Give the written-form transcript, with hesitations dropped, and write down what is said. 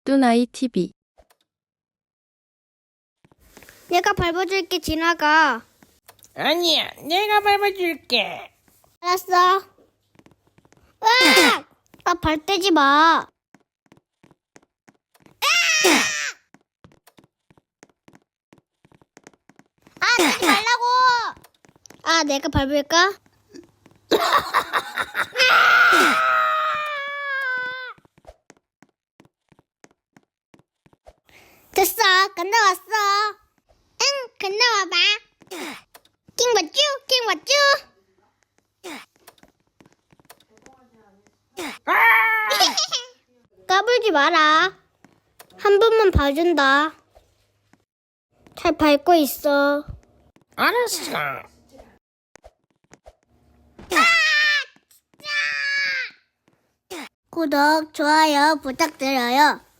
뚜나이 TV. 내가 밟아줄게, 지나가. 아니야, 내가 밟아줄게. 알았어. 으악! 아, 발 떼지 마. 아, 떼지 말라고. 아, 내가 밟을까? 됐어, 건너왔어. 응, 건너와봐. 킹 맞쥬, 킹 맞쥬. 까불지 마라. 한 번만 봐준다. 잘 밟고 있어. 알았어. 구독, 좋아요 부탁드려요.